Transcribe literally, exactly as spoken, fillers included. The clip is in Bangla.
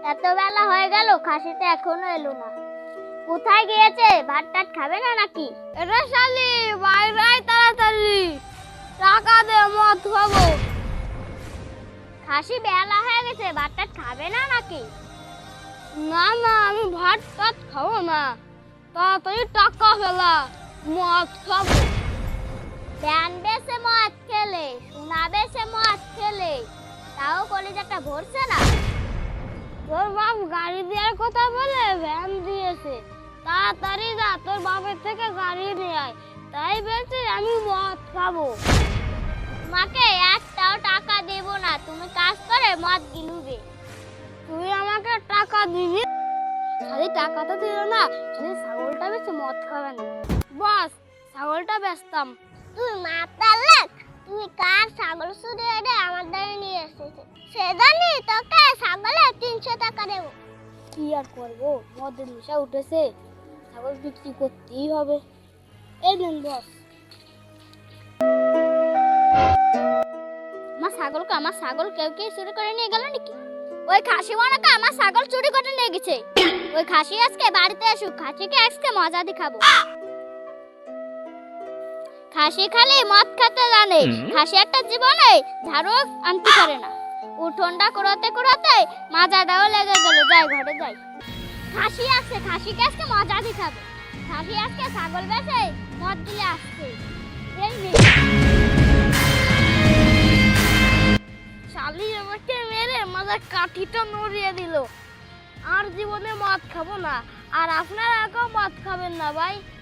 এত বেলা হয়ে গেল, খাসিটা এখনো এলো না। কোথায় গিয়েছে? ভাত টাত খাবে না নাকি? এটা শালি বাইরে আয় তাড়াতাড়ি, টাকা দে, মদ খাবো। খাসি বেলা হয়ে গেছে, ভাত টাত খাবে না নাকি? না না, আমি ভাত টাত খাবো না, তাড়াতাড়ি টাকা ফেলা, মদ খাবো। জানবে সে মদ খেলে, শোনাবে সে মদ খেলে, তাও কলিজাটা ভরছে না। তোর বাপ গাড়ি দেওয়ার কথা বলে ভ্যান দিয়েছে, তাড়াতাড়ি যা, তোর বাপের থেকে গাড়ি নিয়ে আয়। তাই বলছি আমি মদ খাবো। তোমাকে একটাও টাকা দেব না, তুমি কাজ করে মদ গিলুবে। তুই আমাকে টাকা দিবি? খালি টাকা তো দিল না, খালি ছাগলটা বেচে মদ খাবে না। বস, ছাগলটা বেচতাম। তুই মাতাল লাগ, তুমি কার ছাগল চুরি করে আমার দ্বারে নিয়ে এসেছে? সে জানি তোকে ছাগলে তিনশো টাকা দেবো। কি আর করবো, মদের নেশা উঠেছে, ছাগল বিক্রি করতেই হবে। এই নেন বস। আমার ছাগলকে আমার ছাগল কেউ কেউ চুরি করে নিয়ে গেল নাকি? ওই খাসি মনে আমার ছাগল চুরি করে নিয়ে গেছে। ওই খাসি আজকে বাড়িতে আসুক, খাসিকে আজকে মজা দেখাবো। খাসি খালি মদ খেতে জানে, খাসি একটা জীবনে ঝাড়ু আনতে পারে না। উঠোনটা করতে করতে মাজাটাও লেগে গেল, যাই ঘরে যাই। খাসি আসছে, খাসিকে আজকে মজা দেখাবো। খাসি আজকে ছাগল বেচে মদ দিলে আসছে। এই নে। শালি আমাকে মেরে মাথার কাঠিটা নড়িয়ে দিল। আর জীবনে মদ খাবো না, আর আপনারা কেউ মদ খাবেন না ভাই।